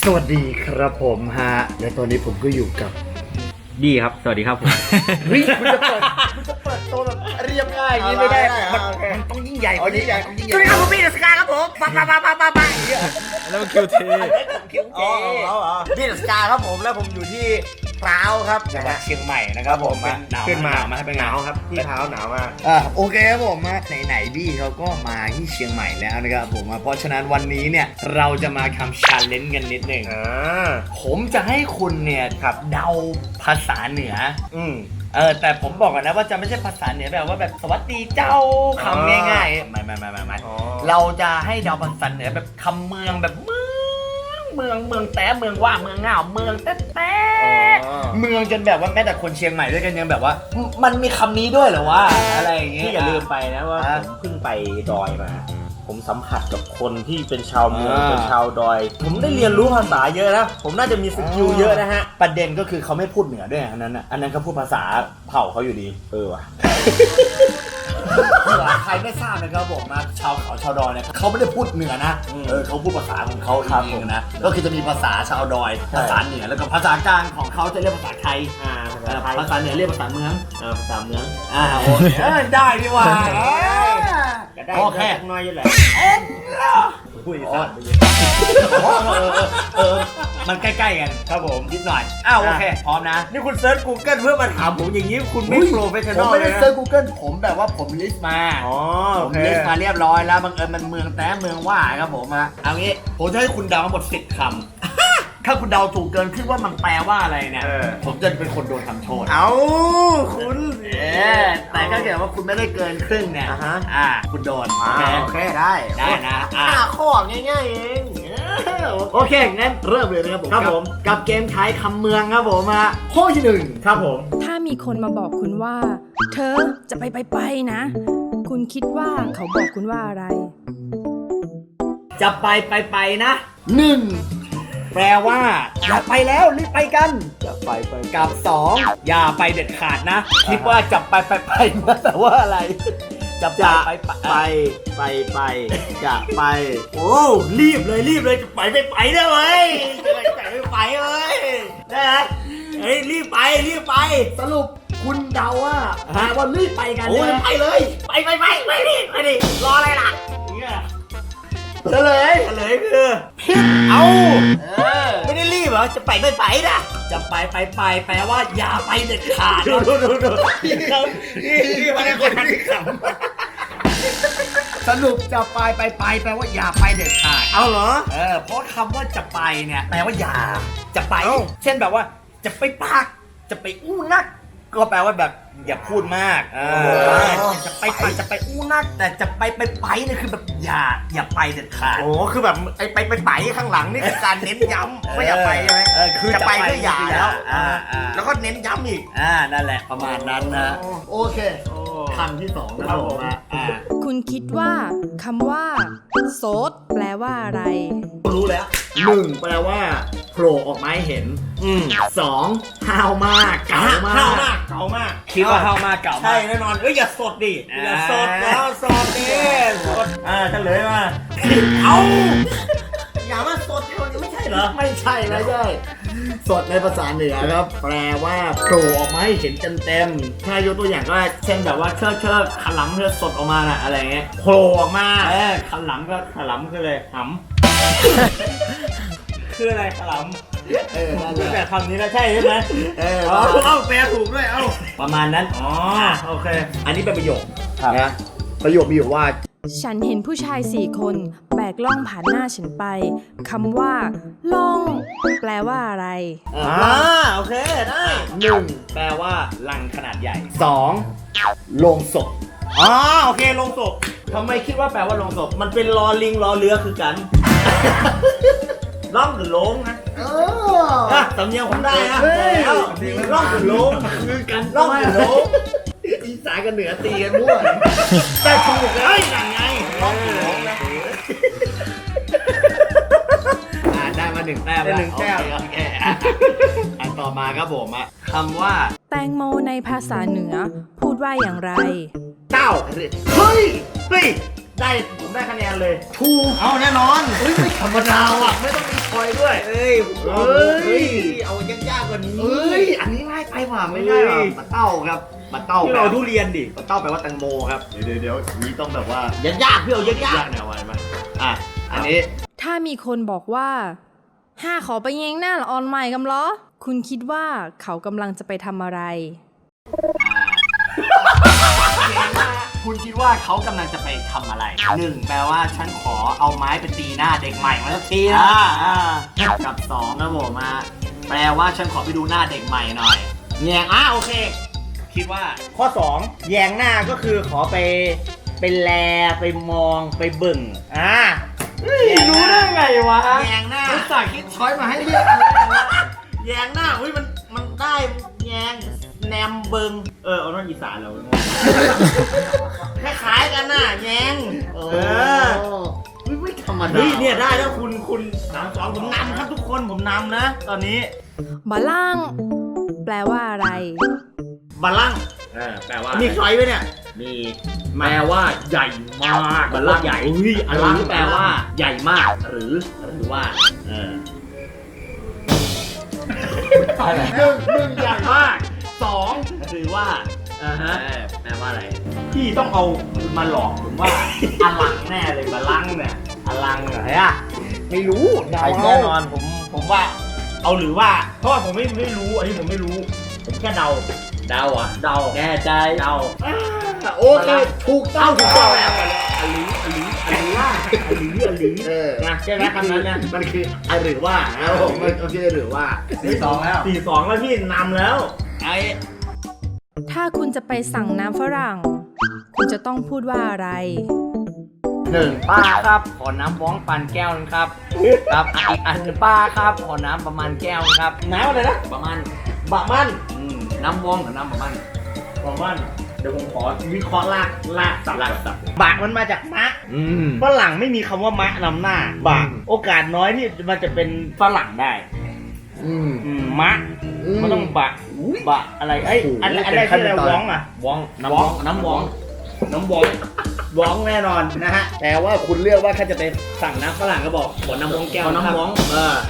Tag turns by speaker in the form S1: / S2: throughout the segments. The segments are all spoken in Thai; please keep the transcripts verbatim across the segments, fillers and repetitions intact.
S1: สวัสดีครับผมฮะและตอนนี้ผมก็อยู่กับ
S2: บี้ครับสวัสดีครับผม
S1: เฮ้ยคุณจะเปิดคุณจะเปิดตัวแบบเรียบง่ายอย่างนี้ไม่ได้มันมันต้องยิ่งใหญ่กว่านี้ใหญ่ต้องยิ่งใหญ่สวัสดีครับผมบี้เดอะสกาครับผมปั๊บปั๊บปั๊บปั๊บปั๊บปั๊บ
S2: แล้วมันคิวเท
S1: คิวเทบี้เดอะสกาครับผมแล้วผมอยู่ที่พร้าวครับจังหวัดเชียงใหม่นะครับผม
S2: ขึ้นมามาให้เป็นหนาวครับที่เท้าหนาวมาก
S1: อ่าโอเคครับผมมาไหนๆบี้เขาก็มาที่เชียงใหม่แล้วนะครับผมเพราะฉะนั้นวันนี้เนี่ยเราจะมาทำชาเลนจ์กันนิดหนึ่งผมจะให้คุณเนี่ยครับเดาภาษาเหนืออืมเออแต่ผมบอกก่อนนะว่าจะไม่ใช่ภาษาเหนือแบบว่าแบบสวัสดีเจ้าคำง่ายๆไม่ไม่ไม่ไม่ไม่เราจะให้เดาภาษาเหนือแบบคำเมืองแบบเมืองเมืองเมืองแต่เมืองว่าเมืองเงาเมืองแต่แต่เมืองจนแบบว่าแม้แต่คนเชียงใหม่ด้วยกันยังแบบว่ามันมีคำนี้ด้วยเหรอวะอะไรอย่างเงี้ย
S2: ที่อย่าลืมไปนะว่าผมเพิ่งไปดอยมาผมสัมผัสกับคนที่เป็นชาวเมืองเป็นชาวดอยผมได้เรียนรู้ภาษาเยอะนะผมน่าจะมีสกิลเยอะนะฮะ
S1: ประเด็นก็คือเขาไม่พูดเหนือด้วยอันนั้นอ่ะอันนั้นเขาพูดภาษาเผ่าเขาอยู่ดี
S2: เออว่ะ
S1: ใครไม่ทราบนะครับผมนะชาวเขาชาวดอยเนี่ยเขาไม่ได้พูดเหนือนะเออเขาพูดภาษาของเขาเองนะก็คือจะมีภาษาชาวดอยภาษาเหนือแล้วก็ภาษากลางของเขาจะเรียกภาษาไทยอ่าภาษาเหนือเรียกภาษาเมือง
S2: เออภาษาเมือง
S1: อ่าโอเคได้ดีว่า
S2: โอเคน้อยอยู่แหละคุยกัน
S1: เออมันใกล้ๆกันครับผมนิดหน่อยอ้าวโอเคพร้อมนะ
S2: นี่คุณเซิร์ช Google เพื่อมาถามผมอย่างนี้คุณไม่โปรเฟชชั่นอล
S1: ผมไม่ได้เซิร์ช Google ผมแบบว่าผมลิสต์มา
S2: อ๋อ
S1: ผมลิสต์มาเรียบร้อยแล้วบังเอิญมันเมืองแต่เมืองว่าครับผมอะเอางี้ผมจะให้คุณเดาทั้งหมดสิบคำถ้าคุณเดาถูกเกินขึ้นว่ามันแปลว่าอะไรเนี่ยผมจะเป็นคนโดนทำโทษ
S2: เอาคุณ
S1: เออแต่ถ้าเกิดว่าคุณไม่ได้เกินครึ่งเนี่ยอ่าคุณโดน
S2: โอเคได้
S1: ได้นะ
S2: ห้าข้อง่ายๆเอง
S1: โอเคงั้นเริ่มเลยนะครับผมครับผมกับเกมทายคำเมืองครับผมมาข้อที่หนึ่งครับผม
S3: ถ้ามีคนมาบอกคุณว่าเธอจะไปไปไปนะคุณคิดว่าเขาบอกคุณว่าอะไร
S1: จะไปไปไปนะหนึ่งแปลว่าอย่าไปแล้วรีบไปกัน
S2: จะไปไป
S1: กับสองอย่าไปเด็ดขาดนะคิดว่าจะไปไปไปนะแต่ว่าอะไรจะไปไป
S2: ไปไปไปจะไป
S1: โอ้รีบเลยรีบเลยจะไปไปไปได้เว้ยจะไปไปไปเว้ยได้ไหมเฮ้ยรีบไปรีบไปสรุปคุณเดาว่าแปลว่ารีบไปกัน
S2: โอ้ไปเลย
S1: ไปไปไปไปดิไปดิรออะไรล่ะเฉลย
S2: เฉลยคือ
S1: ผิดเอา
S2: ไม่ได้รีบเหรอจะไปไปไปนะ
S1: จะไปไปไปแปลว่าอย่าไปเด็ดขาด
S2: ดูดูดูดู
S1: นี่นี่มันเป็นคนที่ขำสรุปจะไปไปไปแปลว่าอย่าไปเด็ดขาด
S2: เอาเหรอ
S1: เออเพราะคำว่าจะไปเนี่ยแปลว่าอย่าจะไปเช่นแบบว่าจะไปปักจะไปอู้นักก็แปลว่าแบบอย่าพูดมากเออจะไปไปจะไปอู้นักแต่จะไปไปไปนี่คือแบบอย่าอย่าไปเด็ดขาด
S2: โอ้คือแบบไอ้ไปไปไปข้างหลังนี่คือการเน้นย้ำไม่อย่าไปใช่ไหม
S1: คือ
S2: จะไปก็อย่าแล้วแล้วก็เน้นย้ำอีก
S1: อ่านั่นแหละประมาณนั้นนะโอเคคำที่สองนะครับผมอ่า
S3: คุณคิดว่าคำว่าโสดแปลว่าอะไร
S1: รู้แล้วหนึ่งแปลว่าโผล่ออกมาให้เห็นสองห้าวมากเก่ามาก
S2: ห้าวมากเก่ามาก
S1: คิดว่าห้าวมากเก่า
S2: ใช่แน่นอนเอ้ยอย่าสดดิอย่าสดแล้วสดดิสดอ่าเฉลยมา
S1: เอา
S2: อย่ามาสดเท่านี้ไม่ใช่เหรอ
S1: ไม่ใช่ไม่ใช่สดในภาษาเหนือครับแปลว่าโผล่ออกมาให้เห็นเต็มๆถ้ายกตัวอย่างก็เช่นแบบว่าเชิดเชิดขลังเชิดสดออกมาน่ะอะไรเงี้ย
S2: โผล่ออกมา
S1: เออขลังก็
S2: ขลังคืออะไรหำคืออะไรขลัง
S1: เออนั่นแหละ
S2: แต่คำนี้นะใช่ใช่ไหม
S1: เออ
S2: เอาแปลถูกด้วยเอา
S1: ประมาณนั้น
S2: อ๋อโอเค
S1: อันนี้เป็นประโยคนะประโยคมีอยู่ว่า
S3: ฉันเห็นผู้ชายสี่คนแบกล่องผ่านหน้าฉันไปคำว่าล่องแปลว่าอะไร
S2: อ่าโอเคได้
S1: หนึ่งแปลว่าลังขนาดใหญ่สองโลงศพ
S2: อ๋อโอเคโลงศพทำไมคิดว่าแปลว่าโลงศพมันเป็นรอลิงรอเรือคือกันล่องหรือโลงนะ
S1: เอ
S2: อสำเนียงผมได้นะล่องหรือโลง
S1: คือกัน
S2: ล่องหรือโลง
S1: อีสานกับเหนือตีกันมั่ว
S2: แต่ถูกเลยนั่นไงล่องหรือโลงนะ
S1: อ่าได้มาหนึ่งแต้ม
S2: แล้วหนึ่งแต้ม
S1: โอเคอันต่อมาครับผมอะคำว่า
S3: แตงโมในภาษาเหนือพูดว่าอย่างไร
S1: เต้าเฮ้ยเฮ้ย
S2: ได้ผมได้คะแนนเลย
S1: ถูก
S2: เอาแน่นอน
S1: เฮ้ยไม่ธรรมดาว่ะไม่ต้องมีคอยด้วย
S2: เอ้ย
S1: เอ้ย
S2: เอายากๆกว่านี้
S1: เอ้ยอันนี้ง่ายไปว่ะไม่ได้ว่ะปลาเต้าครับปลาเต้า
S2: พี่เอาทุเรียนดิ
S1: ปลาเต้าแปลว่าแตงโมครับเดี๋ยวเดี๋ยวนี้ต้องแบบว่าย
S2: ากๆพี่เอายาก
S1: ยากแนวไว้ไหมอ่ะอันนี้
S3: ถ้ามีคนบอกว่าห้าขอไปแยงหน้าละออนใหม่กำล้อคุณคิดว่าเขากำลังจะไปทำอะไร
S1: คุณคิดว่าเขากำลังจะไปทำอะไรหนึ่งแปลว่าฉันขอเอาไม้ไปตีหน้าเด็กใหม่มาสักทีนะกับสองนะผมมาแปลว่าฉันขอไปดูหน้าเด็กใหม่หน่อย
S2: ๆแยงอ่ะโอเค
S1: คิดว่า
S2: ข้อสองแยงหน้าก็คือขอไปไปแลไปมองไปเบิ่งอ่า
S1: รู้ได้ไงวะ
S2: แยงหน้า
S1: อุตส่าห์คิดช้อยมาให้เรียก
S2: แยงหน้าอุ้ยมันมันได้แยงแนมเบิงเออเอาหน้าอีสานเราคล้ายๆกันน่ะแยงเออ
S1: ไม่ธรรมดา
S2: เฮ้ยเนี่ยได้แล้วคุณคุณสามสองผมนำครับทุกคนผมนำนะ ตอนนี้
S3: บาล่าง แปลว่าอะไร
S2: บัลลังก์
S1: เออแปลว่า
S2: มีใครไหมเนี่ย
S1: มีแปลว่าใหญ่มาก
S2: บัลลังก์
S1: ใหญ่
S2: เฮ้ย
S1: หรือแปลว่าใหญ่มากหรือหรือว่าเอออะไรหนึ่งหนึ่งใหญ่มากสองหรือว่าอ่าฮะแปลว่าอะไร
S2: พี่ต้องเอามาหลอกผมว่า
S1: อลังแน่เลยบาลังเนี่ยอลังเหรอฮะไม่รู้เดา
S2: ไปแน่นอนผมผมว่า เอาหรือว่าเพราะว่าผมไม่ไม่รู้อันนี้ผมไม่รู้ผมแค่เดา
S1: เดาอ่ะ
S2: เดา
S1: แน่ใจ
S2: เดา
S1: โอเคถูกต้องถูกต้องแล้ว
S2: อลีอลีอลีล่าอลีอลี
S1: เออ
S2: นะใช่ไหมคำนั้นนะ
S1: มันคืออะหรือว่านะผมมันโอเคหรือว่าสี่สองแล้ว
S2: สี่สองแล้วพี่นำแล้ว
S1: ไอ้
S3: ถ้าคุณจะไปสั่งน้ำฝรั่ง คุณจะต้องพูดว่าอะไร
S1: หนึ่งป้าครับขอน้ำว้องปันแก้วนึงครับครับอีกอันหนึ่งป้าครับขอน้ำประมาณแก้วนึงครับ
S2: น้ำอะไรนะ
S1: ประมาณ
S2: บะมัน
S1: อืมน้ำว้องหรือน้ำประมาณ
S2: บะมันเดี๋ยวผมขอวิเคราะห์ลากลากสับ
S1: ลากสับ
S2: บะมันมาจากมะ
S1: อืม
S2: ฝรั่งไม่มีคำว่ามะนำหน้าบะ
S1: อืม
S2: โอกาสน้อยที่มันจะเป็นฝรั่งได้
S1: อืม
S2: อืมมะ
S1: อืม
S2: มันต้องบะบะอะไรเอ้ย
S1: โอ้โห
S2: อันอัน
S1: เป็น
S2: แรก
S1: ขั้น
S2: ที่อะไร
S1: ตอน
S2: ว้องอ่ะ
S1: ว้องน้ำว้องน้ำว้อง
S2: น้ำว้องว้องแน่นอนนะฮะ
S1: แต่ว่าคุณเลือกว่าถ้าจะไปสั่งน้ำฝรั่งก็บอกขอน้ำว้องแก้ว
S2: เอาน้ำว้อง
S1: เออ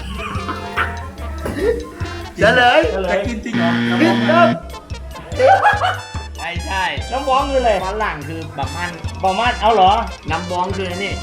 S1: เฉลย
S2: เฉลย
S1: จะกินจริงเหรอ
S2: ผิดครับ
S1: ไม่ใช่
S2: น้ำว้องคืออะไร
S1: ฝรั่งคือแบบมัน
S2: บะมันเอาเหรอ
S1: น้ำว้องคืออันนี่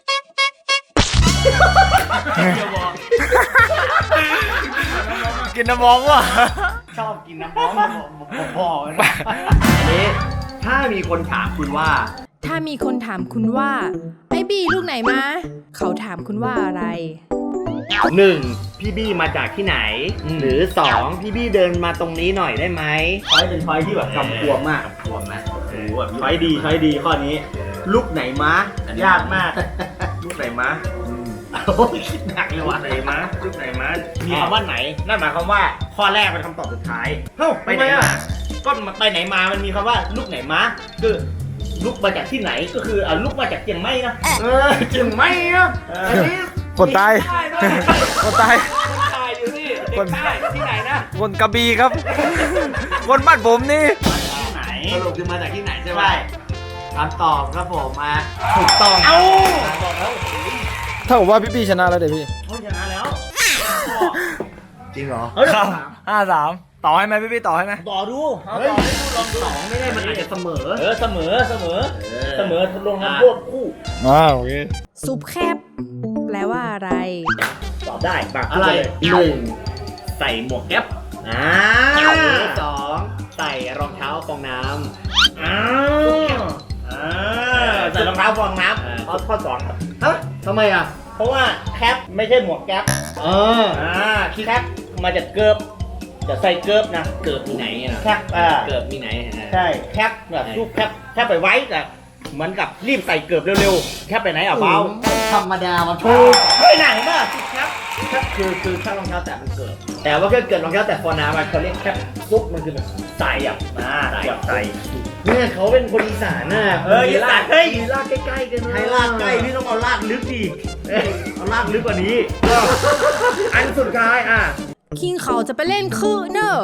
S1: กินน้ำว้องว่ะชอบกินน้ำว้องบอกนะอันนี้ถ้ามีคนถามคุณว่า
S3: ถ้ามีคนถามคุณว่า ไอ้บีลูกไหนมา เขาถามคุณว่าอะไร
S1: หนึ่งพี่บี้มาจากที่ไหน
S2: อืม
S1: หรือสองพี่บี้เดินมาตรงนี้หน่อยได้ไหม
S2: ช้อยเป็นช้อยที่แบบกำกวมมาก
S1: กวมนะโอ้โหแบบ
S2: ช้อยดีช้อยดีข้อนี้ ลูกไหนม้า
S1: อันนี้
S2: ยากมาก ลูกไหนม้า
S1: โอ้ยคิดหนักเลยว่ะ
S2: ไหนม้าลูกไหนม้ามีคำว่าไหนนั่นหมายความว่าข้อแรกเป็นคำตอบสุดท้ายเฮ้าไปไหนมาก็ไปไหนมามันมีคำว่าลูกไหนม้าคือลูกมาจากที่ไหนก็คืออ่ะลูกมาจากเชียงใหม่นะ
S1: เออจึงไม่นะ
S2: เอ
S1: อัน
S2: อ
S1: นี้
S4: คนตาย
S1: ได้ด้วย
S4: คนตาย
S1: คนตายอยู่นี่เด็กใต้ที่ไหนนะ
S4: คนกระบี่ครับ คนบ้านผมนี่
S2: ที่ไหน
S1: สรุปคือมาจากที่ไหนใช่ไหม
S2: ใช่
S1: คำตอบครับผมมาถูกต้อง
S2: เอ้าบอกแล้ว
S4: ถ้าผมว่าพี่พี่ชนะแล้วเดี๋ยวพี่
S2: เขาชนะแล้ว
S1: จริงเหรอ
S2: เฮ้ย
S4: ห้าสามต่อให้ไหมพี่พี่ต่อให้ไหม
S2: ต่อดูเอา
S1: เฮ้ย
S2: ต่อให้ดูลอง
S1: สองไม่ได้มันอาจจะเสมอ
S2: เออเสมอเสมอ
S1: เออ
S2: เสมอลงน้ำโทษคู่
S4: อ่าโอเค
S3: ซุปแคบ แปลว่าอะไร
S2: ตอบได้ปาก
S1: อะไร
S2: พูดปเลย
S1: หนึ่งใส่หมวกแก๊ป
S2: อ่า
S1: สองใส่รองเท้าฟองน้
S2: อ้าวอ่าใส่รองเท้าฟองน้
S1: เออ
S2: ำข้อข้อสองครับ
S1: ำฮะทำไมอ่ะ
S2: เพราะว่าแคปไม่ใช่หมวกแก๊ป
S1: เออ
S2: อ่าแคปมาจากเกิบจะใส่เกิบนะ
S1: เกิดมีไหนอ่ะ
S2: แคปอ่า
S1: เกิดมีไหนอ่ะ
S2: ใช่แคปแบบรูปแคปแคปไปไว้แต่เหมือนกับรีบใส่เกิบเร็วๆแคปไปไหนอ่ะเบา
S1: ธรรมดามา
S2: ถูกเฮ้ยไหนบ้าแคป
S1: แค่คือคือแค่รองเท้าแตะมันเกิด แต่ว่าแค่เกิดรองเท้าแตะฟองน้ำมันเขาเรียกแค่ซุปมันคือแบบใส่อ่ะ
S2: อ่าแบบใส่
S1: เนี่ยเขาเป็นคนอีสานน่ะ
S2: เอออีสานเฮ้ย
S1: มีลากใกล้ๆกันนะ
S2: ให้ลากใกล้พี่ต้องเอาลากลึกดิเอ้ยเอาลากลึกกว่านี้ก็อันสุดท้ายอ่ะ
S3: คิงเขาจะไปเล่นคือเนอะ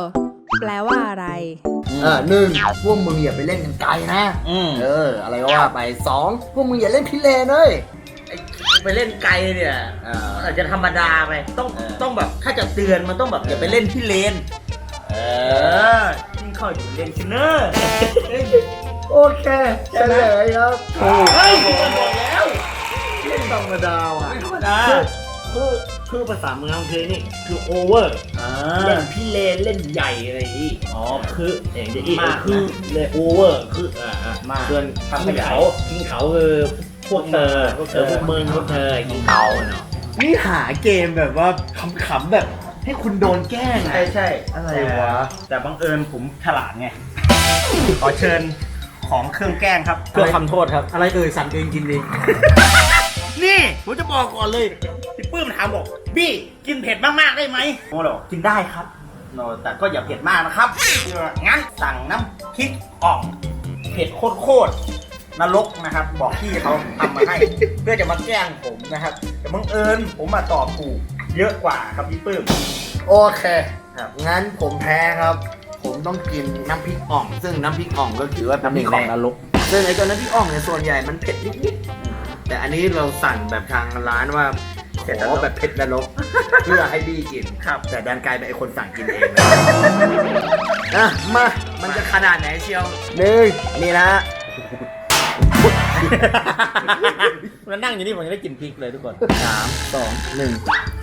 S3: แปลว่าอะไร
S1: เออหนึ่งพวกมึงอย่าไปเล่นกันไกลนะ
S2: อืม
S1: เออ อะไรก็ว่าไปสองพวกมึงอย่าเล่นพิเรนเลย
S2: ไอ้ไปเล่นไกลเนี่ย
S1: เออ
S2: อาจจะธรรมดาไปต้อง
S1: เออ
S2: ต้องแบบถ้าจะเตือนมันต้องแบบอย่าไปเล่นที่เลน
S1: เอ
S2: เอ
S1: อ
S2: อยิ่งเข้าอยู่เลนชินเนอร์
S1: โอเคเฉลยครับ
S2: เฮ้ยผมบอกแล้ว
S1: เล่นธรรมดาว่ะ
S2: ไม่ธรรมดาคือคือภาษาเมืองเพลนี่คือโอเวอร์
S1: อ่า
S2: เล่นพี่เลนเล่นใหญ่อะไรอย่างงี้อ๋อคือเองจะอีก
S1: มาก
S2: คือเลยโอเวอร์คืออ่าอ่า
S1: มา
S2: ส่วนกินเขากินเขาคือพวกเธอพวกเธอพวกมึงพวกเธอกินเขาเนาะ
S1: นี่หาเกมแบบว่าขำๆแบบให้คุณโดนแกล้ง
S2: ใช่
S1: อะ
S2: ใช่
S1: อะไรวะ
S2: แต่บังเอิญผมฉลาดไง ขอเชิญของเครื่องแกล้งครับ เพื่อคำโทษครับ
S1: อะไรเอ่ยสั่งเองกินเอง
S2: นี่ผมจะบอกก่อนเลยพี่ปื้มถามบอกบี้กินเผ็ดมากๆได้ไหมโอ้หรอกินได้ครับโนแต่ก็อย่าเผ็ดมากนะครับงั้นสั่งน้ำพริกอ่องเผ็ดโคตรๆนรกนะครับ บอกพี่เขาทำมาให้ เพื่อจะมาแกล้งผมนะครับแต่บังเอิญผมมาตอบถูกเยอะกว่าครับพี่ปื้ม
S1: โอเค
S2: ครับ
S1: งั้นผมแพ้ครับ ผมต้องกินน้ำพริกอ่อง ซึ่งน้ำพริกอ่องก็ถือว่าเป็น
S2: น้ำพริกของนรก
S1: ซึ่งไอ้ตัวน้ำพริกอ่องเนี่ยส่วนใหญ่มันเผ็ดนิดๆแต่อันนี้เราสั่งแบบทางร้านว่าขอแบบเผ็ดนรก เพื่อให้บี้กิน
S2: ครับ
S1: แต่ดันกลายเป็นไอ้คนสั่งกินเองเลยอ่ะมา มันจะขนาดไหนเชียวหนึ่งนี่นะ
S2: มันนั่งอยู่นี่ผมจะได้กินพริกเลยทุกคน
S1: สามสองหนึ่ง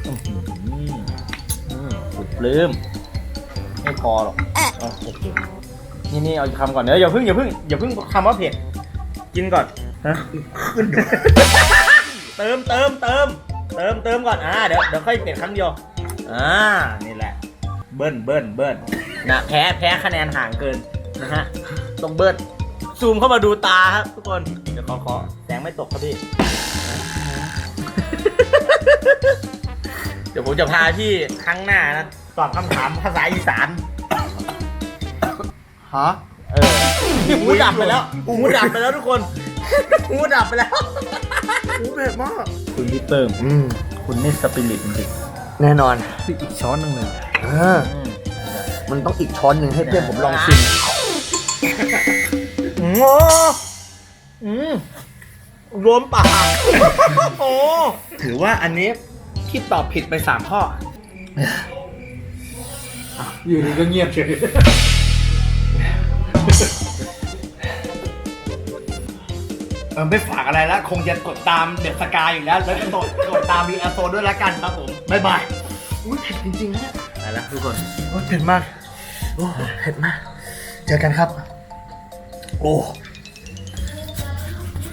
S2: สุดปลื้มไม่พอหรอกเอาโอเคนี่นี่เอาคำก่อนเดี๋ยวอย่าเพิ่งอย่าเพิ่งอย่าเพิ่งคำว่าเผ็ดกินก่อนฮะขึ้นเติมเติมเติมเติมเติมก่อนอ่าเดี๋ยวเดี๋ยวค่อยเผ็ดครั้งเดียวอ่านี่แหละเบิ้ลเบิ้ลเบิ้ลนะแพ้แพ้คะแนนห่างเกินนะฮะต้องเบิ้ลซูมเข้ามาดูตาครับทุกคนเดี๋ยวขอขอแสงไม่ตกครับพี่ เดี๋ยวผมจะพาพี่ครั้งหน้านะตอบคำถามภาษาอีสาน
S1: ฮะ
S2: เออหูดับไปแล้วหูดับไปแล้วทุกคนหูดับไปแล้ว
S1: หูเผ็ดมาก
S2: คุณพี่เติม
S1: อืม
S2: คุณนี่สปิริตจริง
S1: แน่นอน
S2: ๆอีกช้อนนึงเลย
S1: เออ มันต้องอีกช้อนหนึ่งให้เพื่อนผมลองชิม
S2: โอ้อืมรวมปากโอ้
S1: ถือว่าอันนี้ที่ตอบผิดไปสามข้ออ่ะอยู่ดีก็เงียบเฉยเออไม่ฝากอะไรแล้ว คงจะกดตามเด็ดสกายอยู่แล้ว แล้วก็กดกดตามบีอาร์โซด้วยละกันครับผมบ๊ายบายอุ้ยเผ็ดจริงๆนะ
S2: ไปแล้วทุกคน
S1: โอ้ยเผ็ดมาก โอ้เผ็ดมาก เจอกันครับ โอ้